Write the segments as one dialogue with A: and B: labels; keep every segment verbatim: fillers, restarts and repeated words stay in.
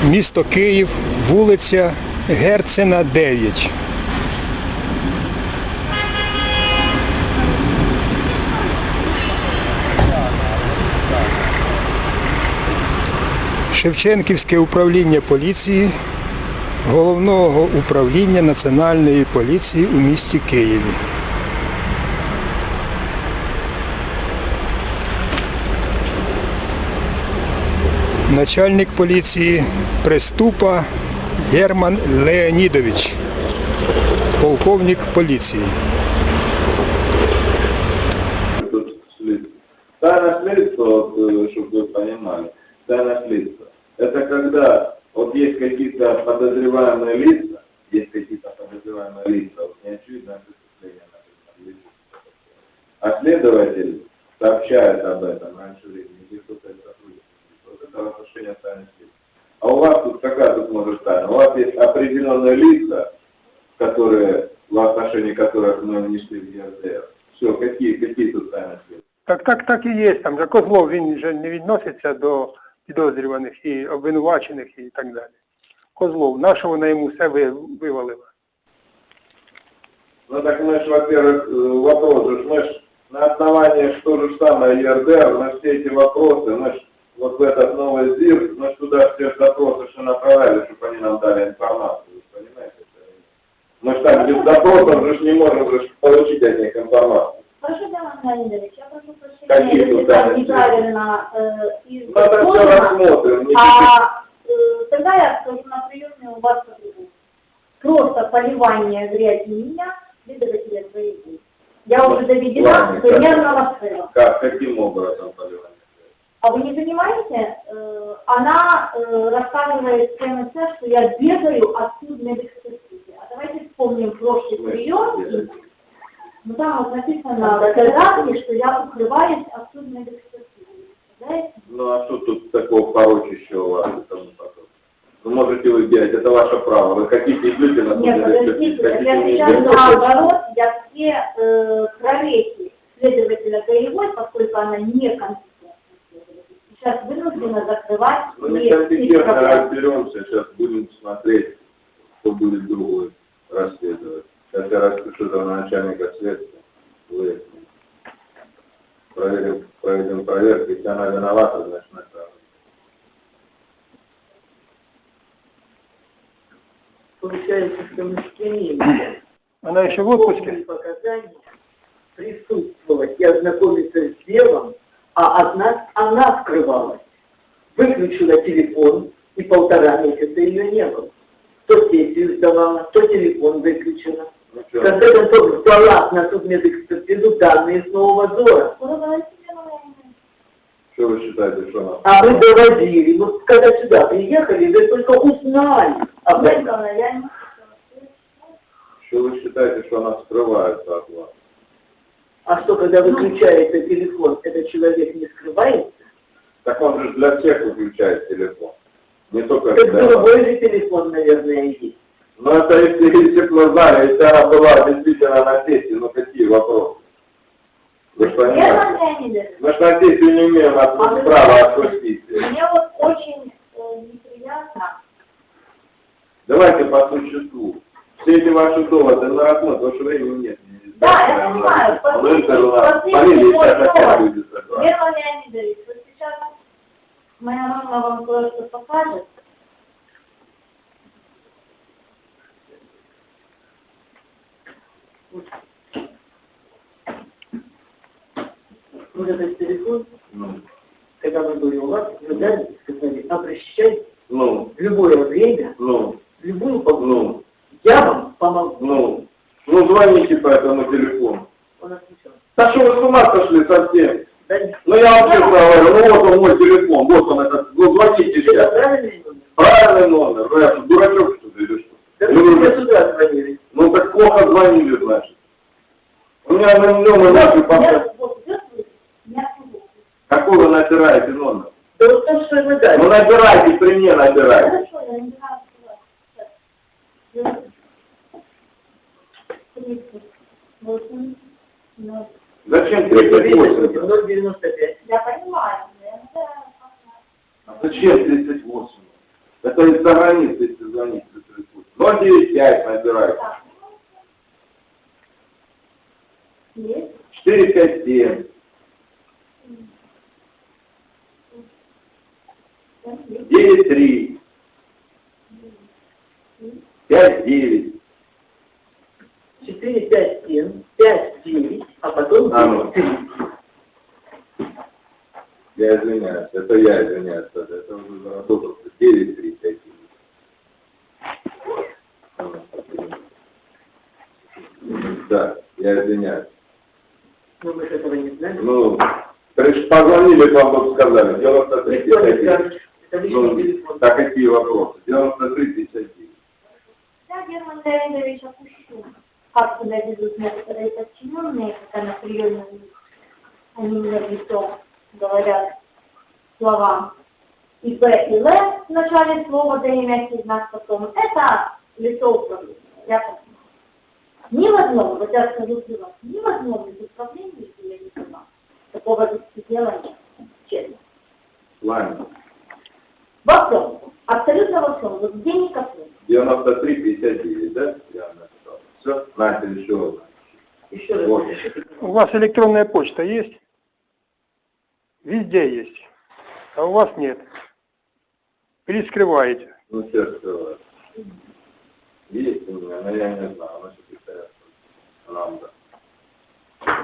A: Місто Київ, вулиця Герцена, дев'ять. Шевченківське управління поліції Головного управління Національної поліції у місті Києві. Начальник поліції Приступа Герман Леонідович, полковник поліції.
B: Тайна следства, вот, чтобы вы понимали, тайна следства, это когда вот есть какие-то подозреваемые лица, есть какие-то подозреваемые лица, вот неочевидное преступление, например, а следователь сообщает об этом раньше времени, где кто-то это сотрудничает. Вот это отношение тайны следствия. А у вас тут какая тут может тайна? У вас есть определенные лица, которые, в отношении которых мы внесли в ЕРДР. Все, какие, какие тут тайны следствия?
A: Так, так, так і є. Там же Козлов, він вже не відноситься до підозрюваних і обвинувачених і так далі. Козлов, на що вона йому все вивалила?
B: Ну так мы же, во-первых, вопрос же, мы же на основании что же самое ЕРДР, на все эти вопросы, мы же вот в этот новый ЗИР, мы же туда все запросы что направляли, чтобы они нам дали информацию, вы понимаете? Мы же так без запросов же не можем же получить от них информацию.
C: Прошу, Герман Леонидович, я прошу прощения, если так неправильно э,
B: изложено,
C: а э, тогда я скажу на приеме у вас по-другому. Просто поливание грязи меня, следователя своего. Я уже доведена до нервного срыва.
B: Как, каким образом поливание?
C: А вы не понимаете, э, она э, рассказывает ЦМС, что я бегаю от судебной экспертизы. А давайте вспомним прошлый прием. Ну там вот написано в фотографии, что я укрываюсь от судебной экспертизы. Знаете?
B: Ну а что тут такого порочащего у вас? Вы можете вы делать, это ваше право. Вы хотите идите на
C: Нет, подождите, я сейчас наоборот, я все э, проверки следователя Гаевой, поскольку она некомпетентна, сейчас вынуждена закрывать.
B: Ну некомпетентно разберемся, сейчас будем смотреть, кто будет другой расследовать. Сейчас я распишу за начальника следствия, выясним. Проверим, проведем проверку, если она виновата, значит направим.
D: Получается, что мы с кем
A: Она еще в отпуске?
D: показания присутствовать и ознакомиться с делом, а от нас она скрывалась. Выключила телефон, и полтора месяца ее не было. То сессию сдавала, то телефон выключила. В конце концов, сдала на судмедэкспертизу данные с Нового Зора.
B: Что вы считаете, что она?
D: А мы доводили. Вот когда сюда приехали, вы только узнали об этом.
B: Что вы считаете, что она скрывается от вас?
D: А что, когда выключается телефон, этот человек не скрывается?
B: Так он же для всех выключает телефон. Не только
D: Так
B: для вас.
D: другой же телефон, наверное, есть.
B: Но это если, если бы мы знали, если она была действительно на сессии, ну какие вопросы? Вы же понимаете? Мы же на сессию не имеем от права отпустить.
C: Мне вот очень э, неприятно.
B: Давайте по существу. Все эти ваши доводы на рассмотр, потому что времени нет.
C: Да, я понимаю.
B: Полиция сейчас опять будет собрать.
C: Герман Леонидович, вот сейчас моя мама вам кое-что покажет.
D: Вот этот телефон,
B: Ну,
D: когда мы были у вас, вы дали, сказали, обращайтесь
B: ну,
D: в любое время,
B: ну,
D: в любую погоду.
B: ну,
D: Я вам помогу.
B: ну, ну звоните по этому телефону.
D: Он отвечал.
B: Да что вы с ума сошли совсем?
D: Да нет.
B: Ну я вам честно говорю, ну вот он мой телефон, вот он этот, ну звоните
D: Это
B: сейчас.
D: правильный номер?
B: Правильный номер, ну я что, дурачок что ли или что?
D: Да
B: Или
D: вы
B: вы-
D: мне сюда звонили.
B: Ну так плохо звонили, значит. У меня на номер вашей пока.
C: Я вот идет, я отсюда.
B: Какой вы набираете номер?
D: Да вот то, что вы дали.
B: Ну набирайте, при мне набирайте.
C: Хорошо, я не знаю, что тридцать восемь, ноль.
B: Зачем тридцать восемь?
D: ноль девяносто пять.
C: Я понимаю, я не знаю.
B: А зачем тридцать восемь? Это из-за границы, если звонить. ноль девять пять набирайте.
C: Так. Есть?
B: четыре пять семь. девять три. пять девять.
D: четыре, пять, семь, пять, девять, а потом
B: А, ну.
D: девять, три.
B: Я извиняюсь, это я извиняюсь, это, это уже заработался девять три пять девять. Да, я извиняюсь.
D: Но мы же этого не знаем.
B: Ну, конечно, позвонили, вам бы сказали, девяносто три
D: Никто не
B: пятьдесят девять.
D: скажет, это личный
B: Ну,
D: телефон.
B: так какие вопросы? девяносто три пятьдесят девять.
C: Я, Герман Леонидович, опущу, как себя ведут некоторые подчиненные, когда на приеме они мне в лицо говорят слова и Б, и Л в начале слова, да имя знак потом. Это лицо управления. Я так знаю. Ни в одном, вот я скажу для вас, ни в одном из управлений, если я не понимаю, такого дела нет. Честно.
B: Ладно.
C: Во всем. Абсолютно во всем. Вот где ни касается.
B: девяносто три пятьдесят девять, да? Я написал. Все, Настя, еще одна.
D: Еще раз.
B: Вот.
A: У вас электронная почта есть? Везде есть. А у вас нет. Или скрываете.
B: Ну, все скрывают. Есть у меня, но я не знаю, она секретаря. Нам, да.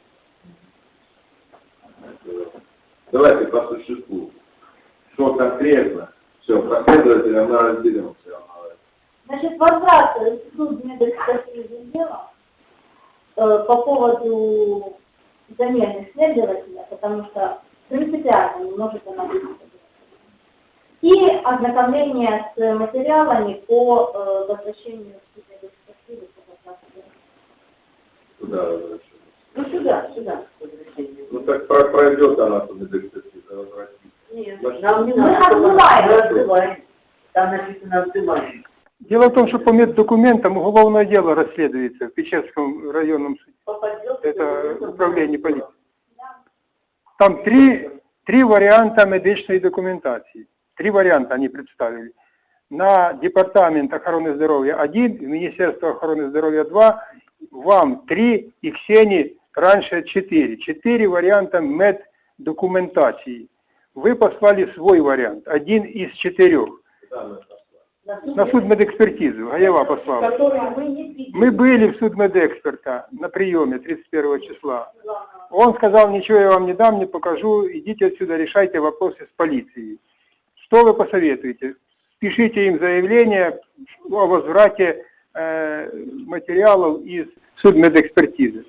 B: Давайте по существу. Что конкретно? Все, последовательно мы разберемся.
C: Значит, возврат в суд медэкспертизы дела э, по поводу замены следователя, потому что принципиально не может она быть. И ознакомление с материалами по э, возвращению в суд медэкспертизы.
B: Куда возвращаться?
D: Ну сюда, сюда.
B: Ну так про- пройдет она по медэкспертизе, возвратится.
D: Нет,
B: Значит,
D: нам не
C: мы
D: надо.
C: отзываем.
D: Мы отзываем. Там написано отзываем.
A: Дело в том, что по меддокументам уголовное дело расследуется в Печерском районном суде.
D: Попадет.
A: Это управление полиции. Там три, три варианта медичной документации. Три варианта они представили. На департамент охраны здоровья один, в Министерство охраны здоровья два, вам три и Ксении раньше четыре. Четыре варианта меддокументации. Вы послали свой вариант, один из четырех. На судмедэкспертизу, Гаева послала.
C: Которые мы не видели.
A: Мы были в судмедэксперта на приеме тридцать первого числа. Он сказал, ничего я вам не дам, не покажу, идите отсюда, решайте вопросы с полицией. Что вы посоветуете? Пишите им заявление о возврате э, материалов из судмедэкспертизы.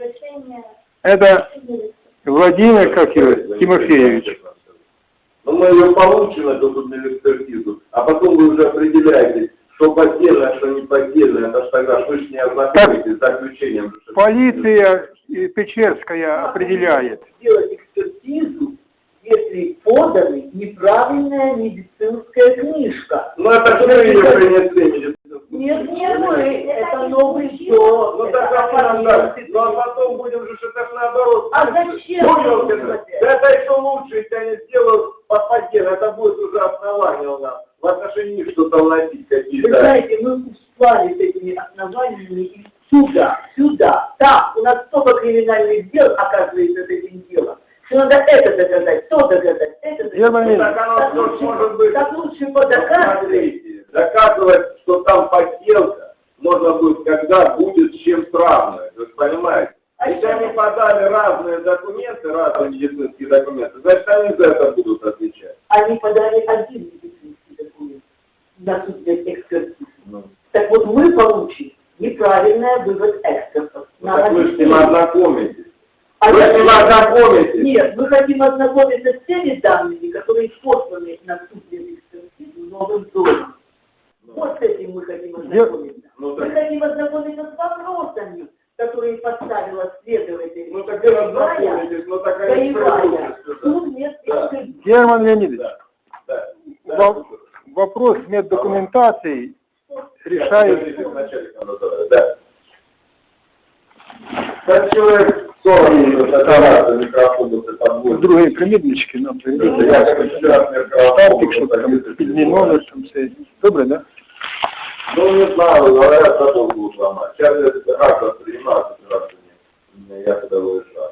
A: Это Владимир как его, Тимофеевич.
B: Но мы ее получим, эту судмедэкспертизу, а потом вы уже определяете, что поддельно, что не поддельно. Это ж тогда вы же не ознакомитесь с заключением.
A: Полиция Печерская определяет.
D: Сделать экспертизу, если подана неправильная медицинская книжка.
B: Ну это что ее принесли медицинскую?
D: Нет, не мы, это новый все.
B: Ну так а нам так. Ну а потом будем же это ж наоборот.
D: А зачем?
B: Понял, это? Да это еще лучше, если они сделают по подделу. Это будет уже основание у нас. В отношении них что-то вносить
D: Вы
B: какие-то.
D: знаете, мы услали с этими основаниями из сюда, сюда. Там у нас столько криминальных дел, оказывается, с этим делом. Что надо это доказать, то доказать, это
A: Герман
D: доказать.
B: Так оно
D: Так
B: тоже
D: лучше,
B: может быть.
D: так лучше подоказывать.
B: Смотрите, доказывать, что там подделка, можно будет, когда будет с чем сравнивать. Вы понимаете?
D: А
B: Если
D: еще-
B: они подали разные документы, разные медицинские документы, значит они за это будут отвечать.
D: Они подали один медицинский документ на судмедэкспертизу.
B: Ну,
D: Так вот мы получим неправильный вывод экспертов.
B: ну, так вы же с ним
D: объяснение.
B: ознакомитесь.
D: А
B: Вы
D: я-
B: с ним ознакомитесь.
D: Нет, мы хотим ознакомиться с теми данными, которые посланы на судмедэкспертизу новым домом. Вот с этим мы хотим ознакомиться.
B: Ну
D: Мы
B: так,
D: хотим ознакомиться с вопросами, которые поставила следователь.
B: ну так и ознакомитесь, ну так они
D: Боевая.
B: придут сюда.
D: Судмедэкспертиза.
A: Герман Леонидович,
B: Да, да, да.
A: во- вопрос меддокументации решает...
B: Подождите, вначале, да. Так человек Сторону фотографию, микрофон, вот это вот.
A: Другие примірнички нам
B: Я
A: приведуть.
B: как сейчас
A: Стартик, щоб
B: микрофон.
A: там підний номер, там все. Добре, да?
B: Ну, не знаю, говорят, потом будут ломать. Сейчас я как воспринимаю операцию. Я туда выезжаю.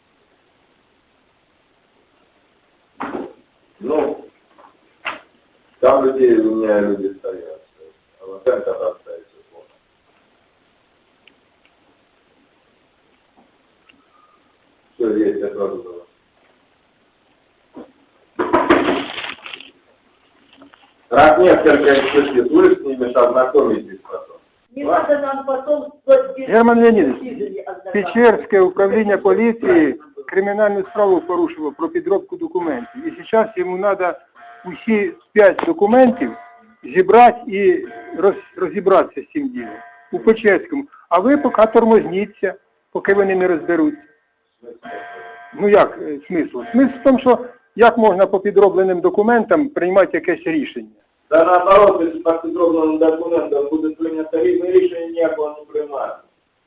B: Ну, там людей, у меня люди стоят. А вот это остается. Все, есть, я сразу говорю. Раз несколько экспертиз, вы с ними ознакомитесь потом.
C: Не надо нам потом... вот здесь-
A: Герман Леонідович,
C: ознакомиться.
A: Печерське управління поліції кримінальну справу порушило про підробку документів. І зараз йому треба усі п'ять документів зібрати і роз, розібратися з цим ділом у Печерському. А ви поки тормозніться, поки вони не розберуться. Ну як е, смисл? Смисл в тому, що як можна по підробленим документам приймати якесь рішення?
B: Да наоборот, если по підробленим документам буде прийнято різне рішення, ніякого не приймати.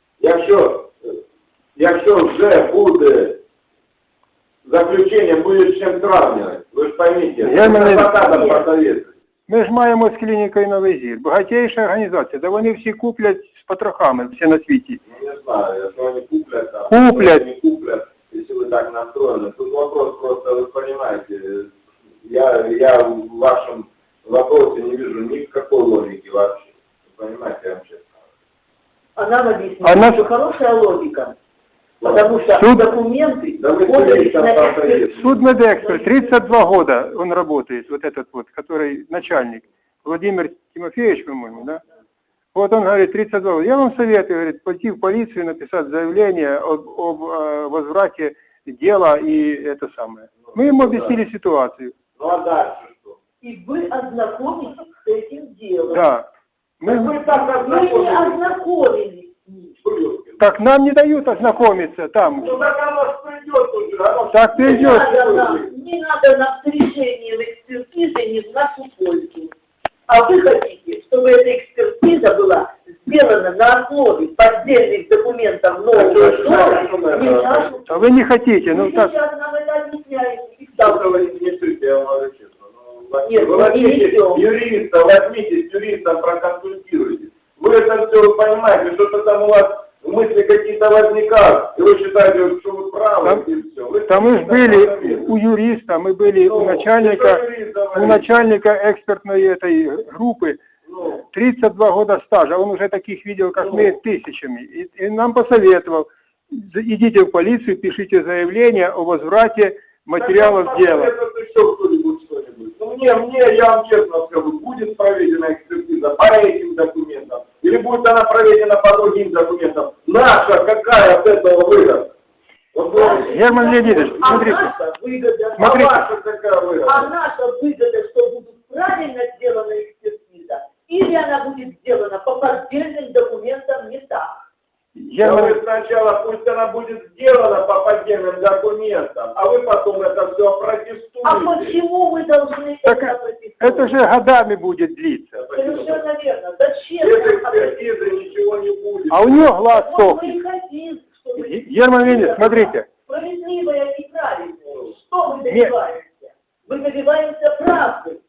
B: Якщо, якщо вже буде заключення, буде з чим сравнювати, ви ж поймите,
A: Я мене-
B: адвокатам посоветуйте.
A: Ми ж маємо з клінікою Новий Зір. Багатейша організація, де вони всі куплять з потрохами, всі на світі.
B: Ну, не знаю, если они куплят, там,
A: Куплят.
B: если не куплят, если вы так настроены. Тут вопрос просто, вы понимаете, я, я в вашем вопросе не вижу никакой логики вообще. Вы понимаете, я вам честно говорю.
D: А нам объяснили,
A: Она-
D: что хорошая логика. Потому что
A: Суд-
D: документы
B: Да вы
D: подались
B: судите,
D: на
B: там,
D: экспертизу.
A: Судмедэксперт, тридцать два года он работает, вот этот вот, который начальник, Владимир Тимофеевич, по-моему, да? Вот он говорит, тридцать два года. Я вам советую, говорит, пойти в полицию, написать заявление об, об э, возврате дела и это самое. Мы ему объяснили ситуацию.
B: Ну а дальше что?
D: И вы ознакомитесь с этим делом.
A: Да.
B: Вы
A: Мы,
B: так
D: Вы не
B: ознакомились.
D: ознакомились с ним.
B: Блюдки.
A: так нам не дают ознакомиться там.
B: Ну так оно ж придет уже, оно ж
A: Так
D: Не
A: придет.
D: надо нам, не надо нам с решением экспертизы не в нашу пользу. А вы хотите, чтобы эта экспертиза была сделана на основе поддельных документов нового дома, не в нашу
A: А вы не хотите, ну
D: Вы
A: так.
D: сейчас нам это объясняете. И
B: Что
D: так.
B: вы не несете, я вам говорю честно. Ну,
D: Нет,
B: вы
D: мы не
B: возьмите
D: несем.
B: юриста, возьмите с юристом, проконсультируйтесь. Вы это все понимаете, что-то там у вас мысли какие-то возникают, и вы считаете, что вы правы,
A: Там-
B: и все. Вы
A: Там мы ж были у юриста, мы были у
B: Ну,
A: начальника,
B: что юрист говорит?
A: у начальника экспертной этой группы.
B: Ну,
A: тридцать два года стажа, он уже таких видел, как мы, тысячами. И, и нам посоветовал, идите в полицию, пишите заявление о возврате материалов
B: так,
A: дела.
B: Это еще кто-нибудь что-нибудь. Ну, мне, мне, я вам честно скажу, будет проведена экспертиза по этим документам, или будет она проведена по другим документам. Наша какая от этого выгода? Вот вы-
A: Герман Леонидович,
D: А
A: смотрите,
D: наша выгода,
B: а
A: смотрите.
B: ваша какая выгода?
D: а наша выгода, что будет правильно сделана экспертиза, или она будет сделана по поддельным документам не так.
B: Я
A: Герман,
B: говорю, сначала пусть она будет сделана по поддельным документам, а вы потом это все опротестуете.
D: А почему вы должны
A: Так
D: это протестовать?
A: это же годами будет длиться.
D: Совершенно верно. Зачем?
B: Без
D: нам
B: экспертизы ничего не будет.
A: А у него глаз
D: Вот мы
A: сохнет.
D: и хотим, чтобы...
A: Герман Леонидович, смотрите.
D: Справедливое и правильное. Что мы добиваемся? Мы добиваемся правды.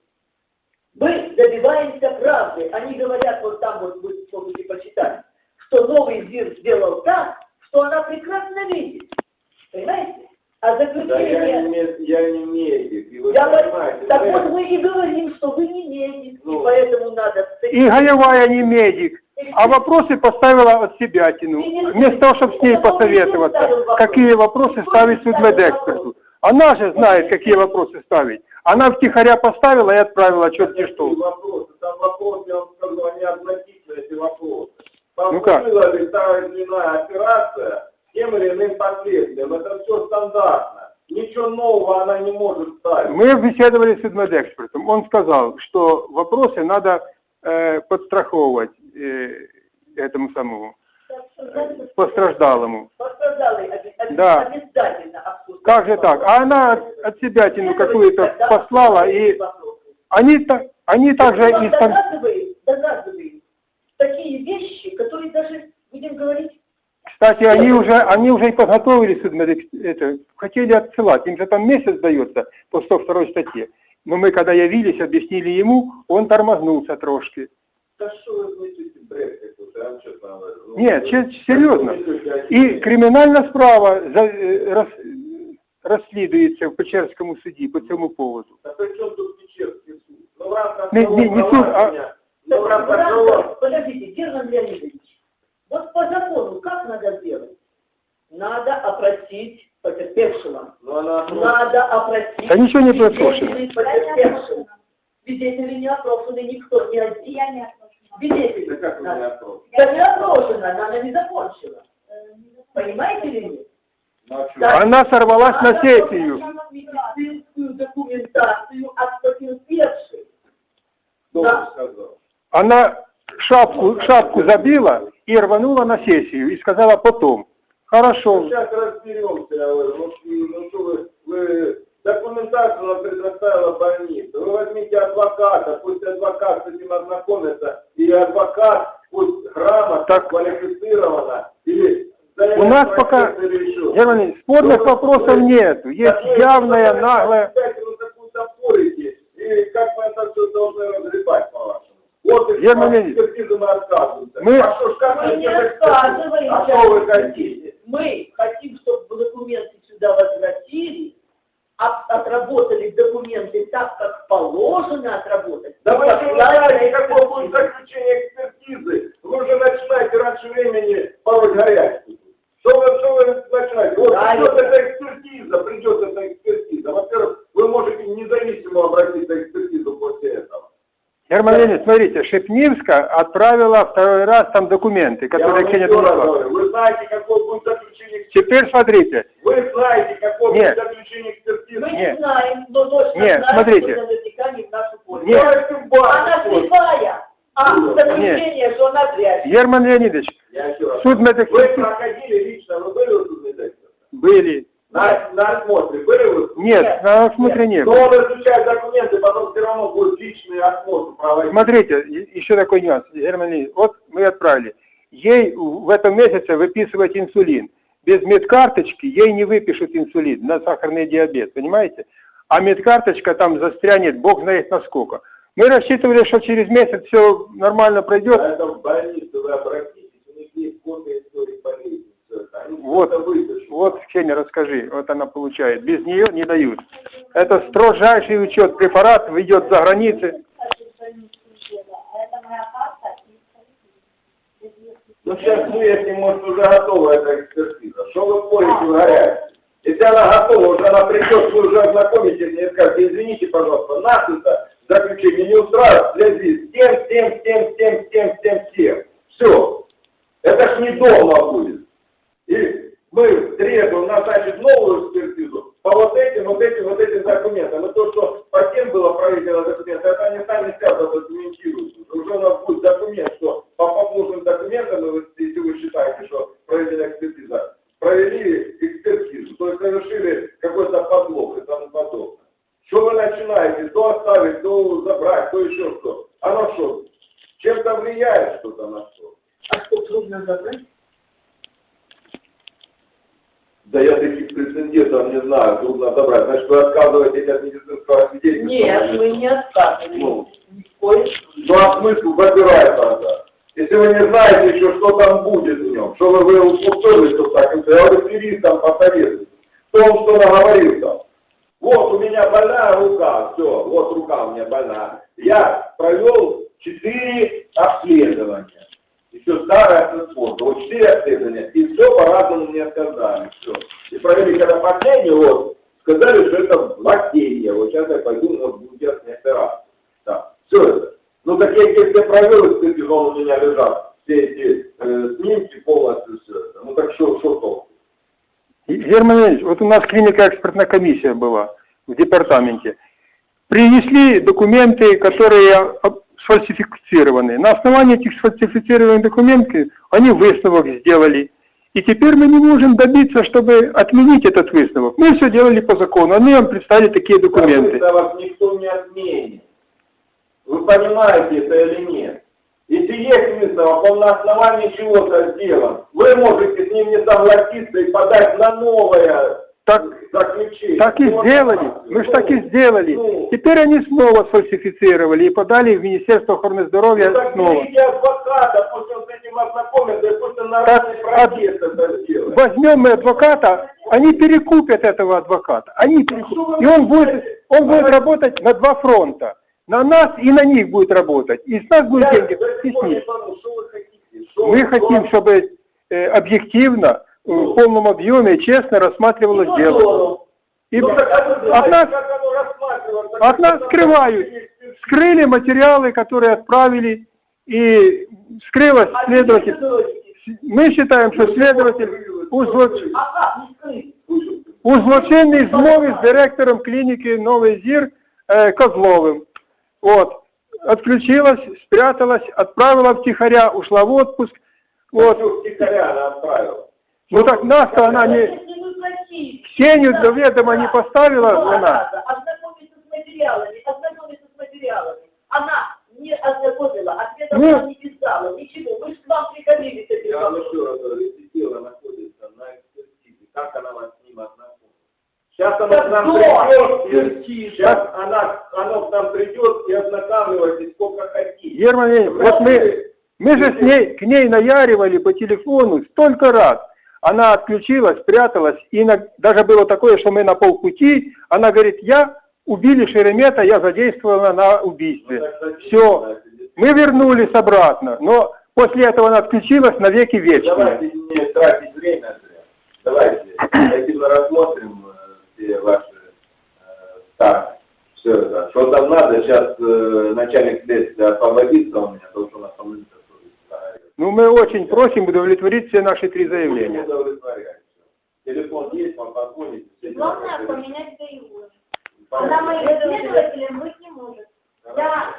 D: Мы добиваемся правды. Они говорят, вот там вот вы можете почитать, что новый ЗИР сделал так, что она прекрасно видит. Понимаете? А
B: Да я
D: заключение...
B: не, ме- я не медик, и вы
D: Я говорю,
B: понимаете.
D: так
B: да,
D: вот мы и говорим, что вы не медик,
B: Ну.
D: и поэтому надо...
A: И Гаевая не медик, а вопросы поставила от себя тяну. Вместо того, чтобы с ней посоветоваться, какие вопросы ставить судмедэксперту. Она же знает, какие вопросы ставить. Она втихаря поставила и отправила черти
B: Какие
A: что.
B: вопросы? Там вопросы, я вам скажу, они относительные, эти вопросы. Там
A: Ну как?
B: была ли та или иная операция с тем или иным последствием. Это все стандартно. Ничего нового она не может ставить.
A: Мы беседовали с судмедэкспертом. Он сказал, что вопросы надо э, подстраховывать э, этому самому постраждалому.
D: Пострадалый оби-
A: Да.
D: обязательно обсуждать.
A: Как же так? А она от, от себя тяну какую-то послала, и они, та- они также
D: Он
A: и стан-
D: доказывает, доказывает такие вещи, которые даже, будем говорить,
A: Кстати, они уже, они уже и подготовили судмедэкс- это, хотели отсылать, им же там месяц дается по сто второй статье. Но мы, когда явились, объяснили ему, он тормознулся трошки.
B: Да что вы мыслите, бред какой-то, я вам честно говорю. Ну,
A: Нет,
B: вы-
A: че- серьезно.
B: вы мыслите о
A: И
B: себе.
A: криминальная справа за, э, рас, расследуется в Печерскому суде по цьому поводу.
B: А при чем тут Печерский суд? Ну, в рамках
A: Не-
B: того
A: не- не суд, а-
B: провадження, ну, в рамках того...
D: Подождите, подождите, Герман Леонидович, вот по закону как надо сделать? Надо опросить потерпевшего.
B: Ну, она...
D: Надо опросить
A: Да ничего не пропрошено.
D: свидетелей потерпевшего. Свидетели не опрошены, никто, ни один.
C: Я не отпрошена.
D: Свидетели.
B: Да как вы
D: Надо.
B: меня отправили?
D: Я не опрошена, она не закончила. Понимаете или нет?
B: Ну, а чё?
D: Да.
A: Она сорвалась на сессию.
D: Медицинскую документацию от потерпевшей.
B: Кто
D: Да.
B: вам сказал?
A: Она шапку, шапку забила и рванула на сессию и сказала потом. Хорошо.
B: Сейчас разберемся, я говорю, ну, ну что вы, вы документацию нам предоставила больница. Вы возьмите адвоката, пусть адвокат с этим ознакомится, и адвокат пусть грамотно,
A: Так.
B: квалифицированно, или
A: У нас пока, Герман Ильич, спорных вопросов нет. Есть явная, наглая.
B: Вы какую-то порите, и как мы это все должны разребать, по-вашему? Вот и
A: Герман Леонидович,
B: экспертизы мы отказываемся.
A: мы-
B: А что ж, как
D: Мы
B: вы
D: не
B: это
D: отказываемся.
B: А что вы хотите?
D: Мы хотим, чтобы документы сюда возвратили, от- отработали документы так, как положено отработать.
B: Да вы
D: И
B: же не
D: послали
B: знаете,
D: на
B: какое будет
D: экспертизу.
B: заключение экспертизы. Вы уже начинаете раньше времени пороть горячку. Что вы, что вы начинаете? Вот
D: Да,
B: придет
D: я-
B: эта экспертиза, придет эта экспертиза. Во-первых, вы можете независимо обратиться к экспертизу после этого.
A: Герман Леонидович, смотрите, Шепнивска отправила второй раз там документы,
B: Я
A: которые
B: вам
A: Ксения
B: еще раз
A: донесла.
B: говорю, вы знаете, какое будет заключение экспертизы.
A: Теперь смотрите,
B: Вы знаете, какое
A: Нет.
B: будет заключение экспертизы.
D: Мы
A: Нет.
D: не знаем, но точно
A: Нет,
D: знаем,
A: смотрите.
D: что наверняка не в нашу пользу.
A: Нет.
B: Давайте в
D: Она
B: банк.
D: слепая, а
B: Нет.
D: заключение, что она зря.
A: Герман Леонидович,
B: Я еще раз.
A: суд
B: Вы
A: медэкспертизы
B: проходили лично, вы были у судмедэксперта?
A: были.
B: На, на осмотре были вы?
A: Нет, на осмотре не
B: Но
A: было.
B: он изучает документы, потом все равно будет личный осмотр проводить.
A: Смотрите, и- еще такой нюанс, Герман Леонидович, вот мы отправили. Ей в этом месяце выписывать инсулин. Без медкарточки ей не выпишут инсулин на сахарный диабет, понимаете? А медкарточка там застрянет, бог знает насколько. Мы рассчитывали, что через месяц все нормально пройдет.
B: А это в больнице вы обратитесь, у них есть копия истории болезни. Всё это. Они
A: Вот,
B: это выпишут.
A: вот, Ксения, расскажи, вот она получает. Без нее не дают. Это строжайший учет. Препарат ведет за границы.
C: А это моя карта и
B: Ну сейчас выясним, может уже готова эта экспертиза. Что вы порите в горячке? Если она готова, уже она придет, вы уже ознакомитесь и скажете, извините, пожалуйста, нас это заключение не устраивает, в связи с тем, с тем, с тем, с тем, с тем, с тем, с тем. Все. Это ж не дома будет. И мы требуем назначить новую экспертизу по вот этим, вот этим, вот этим документам. И то, что по тем было проведено документы, это они сами скажут, документируют. Уже у нас будет документ, что по послужным документам, если вы считаете, что проведена экспертиза, провели экспертизу, то есть совершили какой-то подлог и тому подобное. Что вы начинаете, то оставить, то забрать, то еще что. Оно что, чем-то влияет что-то на что?
D: А что трудно забрать?
B: Да я таких прецедентов не знаю, трудно забрать. Значит, вы отказываетесь от медицинского свидетельства?
D: Нет, мы не отказываем.
B: Ну.
D: Ни в коем
B: Ну а смысл забирать тогда? Если вы не знаете еще, что там будет в нем, что вы, вы упустили, что так, я вы юрист там посоветуете, кто он что наговорил там. Вот у меня больная рука, все, вот рука у меня больная. Я провел четыре обследования. Еще старая transport, вот четыре обследования, и все по-разному мне сказали, все. И провели, когда последний, вот, сказали, что это лактения, вот сейчас я пойду, может, буду делать мне операцию. Да, все это. Ну так я если провел экспертизу, он у меня лежат, все эти э, снимки полностью, все это. Ну так что, что толку?
A: Герман Леонидович, вот у нас клиника экспертная комиссия была в департаменте. Принесли документы, которые сфальсифицированы. На основании этих сфальсифицированных документов они высновок сделали. И теперь мы не можем добиться, чтобы отменить этот высновок. Мы все делали по закону, они нам представили такие документы.
B: Да вас никто не отменит. Вы понимаете это или нет? Если есть вызов, он на основании чего-то сделан, вы можете с ним не согласиться и подать на новое
A: Так,
B: заключение.
A: так и
B: Вот
A: сделали,
B: так.
A: мы же
B: Ну,
A: так и сделали.
B: ну.
A: Теперь они снова сфальсифицировали и подали в Министерство охраны здоровья
B: Ну, так
A: снова.
B: берите адвоката, пусть он с этим ознакомится, и пусть он на
A: Так,
B: равный протест это сделает.
A: Возьмем мы адвоката, они перекупят этого адвоката. Они перекупят. И он будет, он будет работать на два фронта. На нас и на них будет работать. И с нас будут
B: Я
A: деньги,
B: до
A: и
B: сих
A: с
B: пор не
A: них.
B: пойму, что вы хотите? Что
A: Мы
B: вы-
A: хотим, чтобы э, объективно, в полном объеме и честно рассматривалось дело. И
B: Ну, так, а вы
A: от
B: знаете,
A: нас,
B: как оно рассматривалось? Так
A: от нас
B: это
A: скрывают.
B: там-
A: Скрыли материалы, которые отправили, и скрылось
C: А
A: следователь.
C: где вы говорите?
A: Мы считаем, что следователь узлоч...
C: А как не скрыть?
A: у злочинній змові з директором клініки Новий Зір е, Козловим. Вот. Отключилась, спряталась, отправила втихаря, ушла в отпуск. Вот.
B: Вот. Втихаря она отправила.
A: Ну так нас-то она не...
C: Если вы платили,
A: Ксению до ведома не поставила,
C: ну,
A: она.
C: ознакомиться с материалами, ознакомиться с материалами. Она не ознакомила, ответов
A: Ну.
C: вам не писала, ничего. Мы же к вам приходили с этим
B: Я вам
C: вопросом.
B: еще раз говорю, если дело находится на экспертизе, как она вас с ним ознакомила? Сейчас она к нам
C: Да,
B: придет, и
C: экспертиза.
B: сейчас она, оно к нам придет и ознакомивайтесь сколько хотите.
A: Герман Леонидович, вот мы, мы же с ней, к ней наяривали по телефону столько раз. Она отключилась, спряталась, и на, даже было такое, что мы на полпути, она говорит, я убили Шеремета, я задействована на убийстве.
B: Ну, так, так,
A: Все,
B: так,
A: мы вернулись обратно, но после этого она отключилась навеки вечные.
B: Давайте не тратить время зря. Давайте активно рассмотрим э, все ваши э, старты. Все это. Что там надо, сейчас э, начальник следствия освободится у меня, потому что у нас там лица тоже.
A: Ну, мы очень просим удовлетворить все наши три заявления.
B: Телефон есть, вам позвоните. все дела
C: Главное
B: решите.
C: поменять боевую.
B: Понятно.
C: Она моим следователем быть не может. Я,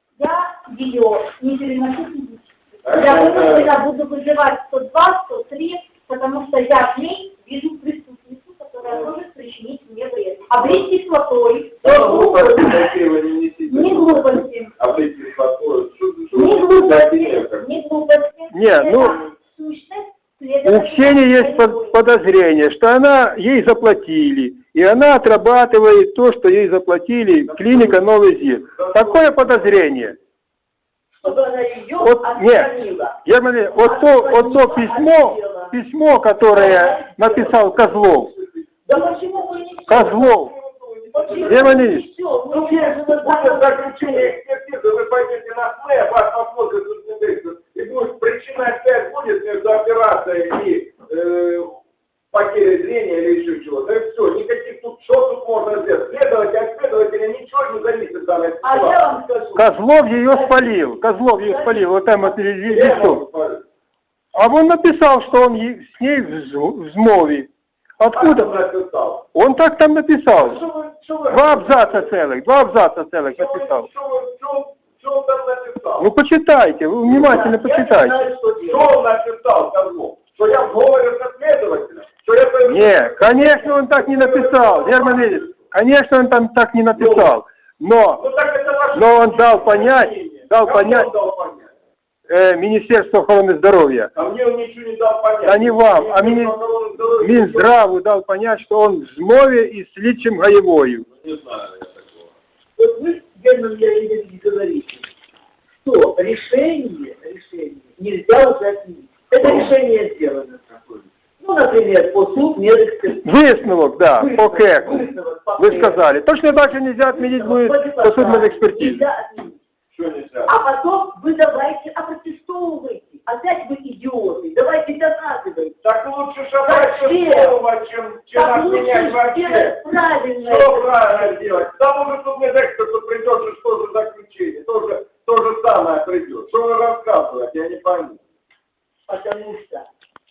C: я ее не переношу физически. Я вынуждена буду вызывать сто два, сто три, потому что я в ней вижу преступницу, которая может причинить мне вред. Облить кислотой,
B: Да, глупости такие вы не несите.
C: не глупости,
B: Облить кислотой. Что- что
C: не
B: вы
C: глупости,
B: хотите, как?
C: не глупости.
A: Не, ну,
C: Это сущность
A: У
C: следователя
A: Ксении есть
C: боевой.
A: под- подозрение, что она, ей заплатили, и она отрабатывает то, что ей заплатили клиника Новый Зир. Такое подозрение.
C: Чтобы она ее
A: Вот, нет.
C: отстранила.
A: Герман Леонидович, вот то, вот то письмо, письмо, которое написал Козлов,
C: Да почему вы не
A: Козлов,
C: Почему
A: Герман
C: вы
A: Леонидович,
C: не всё?
B: Ну,
C: Вы же
B: будет
C: вы-
B: заключение экспертизы, вы пойдете на ФЛЭ, вас посмотрит судмедэксперт, и будет причина опять будет между операцией и э, потерей зрения или еще чего. Да и все, никаких тут, что тут можно сделать? Следователь от следователя ничего не зависит в данной
C: А я
B: ситуации.
C: вам скажу.
A: Козлов ее спалил, Козлов ее спалил, вот там вот ли- ли-
B: Я вам
A: лицо.
B: говорю.
A: А он написал, что он е- с ней в зм- в змове. Откуда?
B: А кто написал?
A: Он так там написал.
B: Что вы- что вы-
A: Два абзаца целых, два абзаца целых
B: что вы-
A: написал.
B: что вы- что- что он там написал?
A: Ну почитайте, вы внимательно
C: Я
A: почитайте.
C: знаю, что делать.
B: Что он написал, Козлов? Что я говорю со следователем? Что я пойду-
A: Не, конечно, он так не написал, Герман Леонидович, конечно, он там так не написал. Но
B: Ну так это ваше
A: Но он дал понять,
B: мнение.
A: дал
B: Кому
A: понять.
B: он дал понять?
A: э, Министерство охраны здоровья,
B: А мне он ничего не дал понять.
A: Да не вам, а мини-
B: Министерство охраны здоровья-
A: Минздраву дал понять, что он в змове и с Личем Гаевою.
B: Не знаю я такого.
D: Вот вы, Герман Леонидович, говорите, что решение, решение нельзя уже отменить. Это решение сделано. Ну, например, по суд медэкспертизы.
A: Высновок, да, по КЭКу.
D: Высновок по
A: Вы
D: КЭКу.
A: сказали. Точно так же нельзя отменить будет по судмедэкспертизе.
D: Нельзя отменить.
B: Что нельзя?
D: А потом вы давайте опротестовывайте. Опять вы идиоты. Давайте доказывайте.
B: Так лучше шагать
D: Зачем?
B: слово, чем, чем
D: Так лучше
B: отменять вообще.
D: сделать правильно.
B: Что правильно делать? Там уже судмедэксперту придет, же что же заключение. То же, то же самое придет. Что вы рассказываете, я не пойму.
D: Потому что...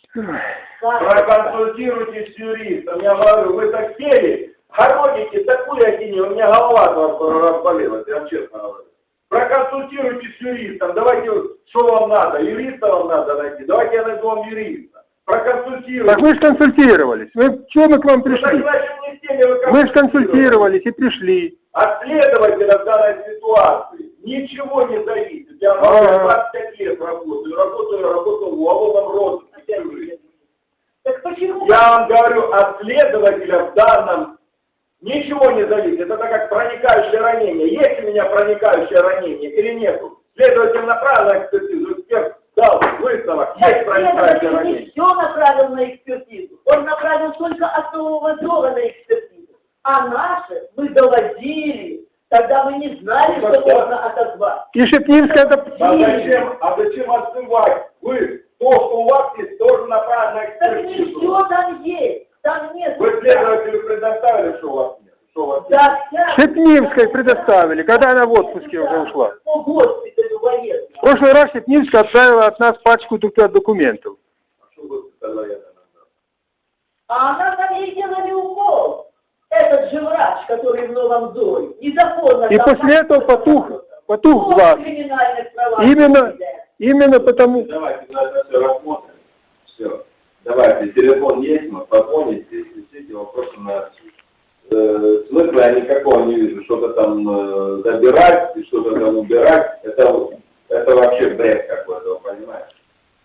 B: Проконсультируйтесь с юристом. Я говорю, вы так сели, хороните такую ахинею, у меня голова от вас разболелась, я вам честно говорю. Проконсультируйтесь с юристом, давайте, что вам надо, юриста вам надо найти, давайте я найду вам юриста. Проконсультируйтесь.
A: Так мы же консультировались. Мы, чего мы к вам
B: Ну, так
A: пришли?
B: значит, не с теми вы
A: Мы же консультировались и пришли.
B: От следователя в данной ситуации ничего не зависит. Я
A: Ага.
B: двадцать пять лет работаю, работаю, работаю в уголовном розыске.
C: Так почему?
B: Я вам говорю, от следователя в данном ничего не зависит. Это как проникающее ранение. Есть у меня проникающее ранение или нету? Следователь направил на экспертизу, эксперт дал выставок, есть проникающее
C: Следователь не
B: ранение.
C: все направил на экспертизу. Он направил только основного дела на экспертизу. А наши мы доводили. Тогда мы не знали,
B: Ну,
C: что
B: тогда-
C: можно отозвать.
A: И Шепнинская это...
B: А зачем, а зачем отзывать? Вы, то, что у вас есть, тоже направлено на
C: Так не
B: экспертизу.
C: все там есть. Там нет.
B: Вы следователю предоставили, что у вас нет? Что у вас нет?
C: Да, вся-
A: Шепнинской предоставили, когда она в отпуске уже ушла.
C: По госпиталю военному.
A: В прошлый раз Шепнинская отправила от нас пачку только документов.
B: А что вы сказали это нам?
C: А она на ней делали укол. Этот же врач, который в Новом доме, незаконно...
A: И
C: там-
A: после этого потух, потух
C: По
A: глаз.
C: криминальных правах.
A: Именно, именно потому...
B: Давайте мы это все рассмотрим. Все. Давайте, телефон есть, мы позвоните, если все эти вопросы на э, смысла я никакого не вижу. Что-то там э, забирать и что-то там убирать, это, это вообще бред какой-то, вы понимаете?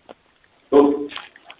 B: Тут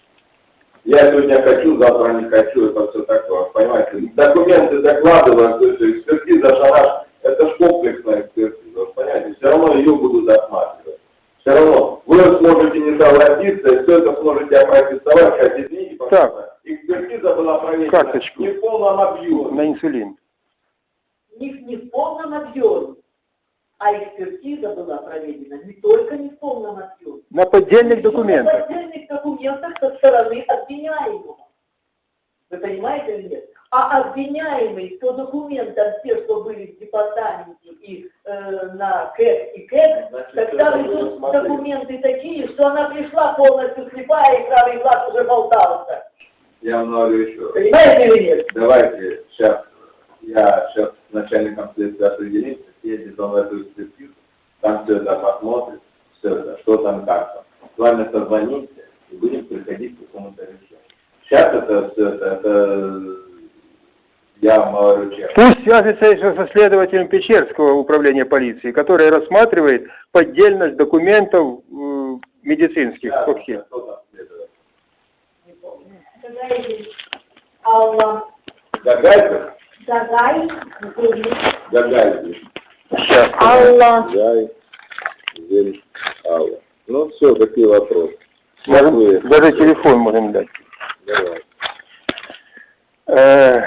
B: я сегодня хочу, завтра не хочу, это все такое, понимаете? Документы докладывают, то есть экспертиза шараш, это ж комплексная экспертиза, вы понимаете? Все равно ее будут осматривать. Все равно вы сможете не согласиться, и все это сможете опротестовать, как извините, пожалуйста. Экспертиза была проведена
A: Карточку.
B: не в полном объеме.
A: На инсулин.
C: Не, не в полном объеме. А экспертиза была проведена не только не в полном объеме.
A: На поддельных
C: На
A: документах.
C: поддельных документах со стороны обвиняемого. Вы понимаете или нет? А обвиняемый по документам, те, что были в департаменте и э, на КЭК и КЭК,
B: Значит,
C: тогда
B: это
C: идут
B: нужно смотреть.
C: документы такие, что она пришла полностью слепая, и правый глаз уже болтался.
B: Я вам говорю еще раз.
C: Понимаете или нет?
B: Давайте сейчас, я сейчас с начальником следствия определимся, съездит он в эту экспертизу, там все это посмотрит, все это, что там, как там. С вами созвонимся и будем приходить к какому-то решению. Сейчас это все это, это я вам говорю честно.
A: Пусть свяжется еще со следователем Печерского управления полиции, который рассматривает поддельность документов э, медицинских.
B: Да,
A: вообще.
B: кто там следует?
C: Не помню. Гагай, Алла,
B: Гагайцев?
C: Гагай, Гули,
B: Гагайцев.
A: Сейчас.
C: Алла.
B: Гай, Зель, Алла. Ну все, какие вопросы?
A: Можем, даже телефон можем дать.
B: Давай.
A: Э,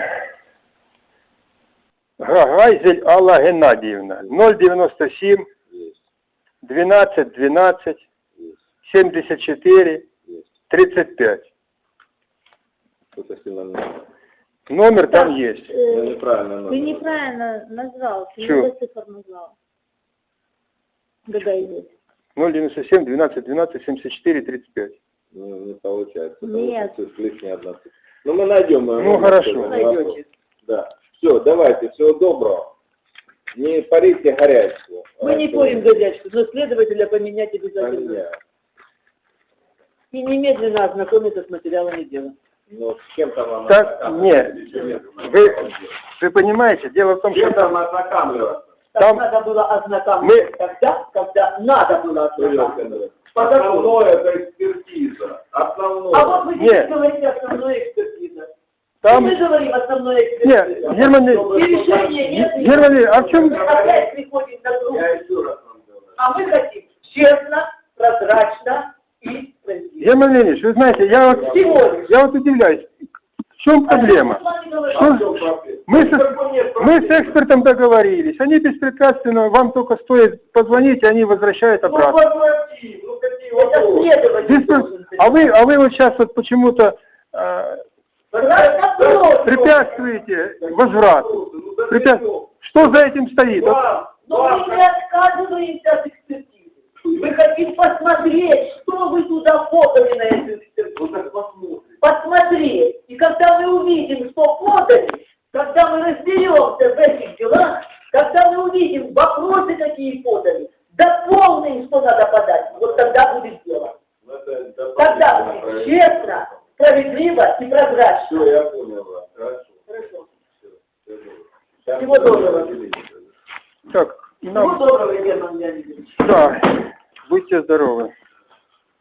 A: Гагайзель Алла Геннадьевна, ноль девяносто семь,
B: Есть,
A: двенадцать двенадцать,
B: есть,
A: семьдесят четыре,
B: есть.
A: тридцать пять.
B: Что-то сильно много.
A: Номер там есть.
B: Ну, неправильно
E: Ты
B: номер.
E: неправильно назвал, ты
A: Чё?
E: много цифр назвал. Гадай здесь.
A: ноль девяносто семь, двенадцать двенадцать, семьдесят четыре, тридцать пять.
B: Ну, не получается.
E: Нет.
B: Потому что лишняя одна цифра. Ну, мы найдем. мы
A: Ну,
B: найдем,
A: хорошо.
B: не
C: Найдете.
B: вопрос. Да. Все, давайте, всего доброго. Не парите горячку.
C: Мы не порим горячку, но следователя поменять обязательно.
B: Поменяю.
C: И немедленно ознакомиться с материалами дела.
B: Ну, с кем-то вам
A: Так,
B: ознакомливаться.
A: нет. Вы, вы понимаете, дело в том,
B: С
A: что
B: кем-то вам ознакомливаться.
C: Так
A: Там-
C: надо было ознакомиться
A: Мы-
C: тогда, когда надо было ознакомиться.
B: Основное это экспертиза. Основное.
C: А вот вы
A: Нет.
C: здесь говорите основная экспертиза.
A: там...
C: Мы говорим основная
A: Нет,
C: экспертиза.
A: Герман,
C: И решения нет.
A: Ге- Герман Ильич, а в чем...
C: Мы опять приходим на круг.
B: Я еще раз вам говорю.
C: А мы хотим честно, прозрачно и справедливо.
A: Герман Ильич, вы знаете, я вот,
C: Всего лишь.
A: я вот удивляюсь, в чем проблема?
C: А что мы с вами говорим?
A: Что?
B: А в чем проблема?
A: Мы, со-
B: Никакой нет
A: мы с
B: проблем.
A: экспертом договорились, они беспрепятственно, вам только стоит позвонить, и они возвращают
B: Ну,
A: обратно.
B: возврати, ну какие
C: Это
B: вопросы?
C: следователь
A: Беспре-
C: должен
A: А вы, а вы вот сейчас вот почему-то э,
C: Разнопрос.
A: препятствуете возврату.
B: Ну, да
A: Препя-
B: ты что?
A: Что за этим стоит? Вот
B: Вам,
C: Но
B: вам,
C: мы не отказываемся от экспертизы. Мы хотим посмотреть, что вы туда подали на эту
B: ну
C: экспертизу.
B: так посмотрим.
C: Посмотреть. И когда мы увидим, что подали, когда мы разберемся в этих делах, когда мы увидим вопросы, какие подали, дополним, что надо подать, вот тогда будет дело.
B: Ну, это
C: Тогда
B: дополнительно
C: будет
B: проверить.
C: честно, справедливо и прозрачно.
B: Все, я понял вас. Хорошо.
C: Хорошо.
B: Всё, всё добро. Сейчас
C: Всего доброго.
B: определимся.
A: так, и на
D: Всего доброго, Герман Леонидович.
A: Да, будьте здоровы.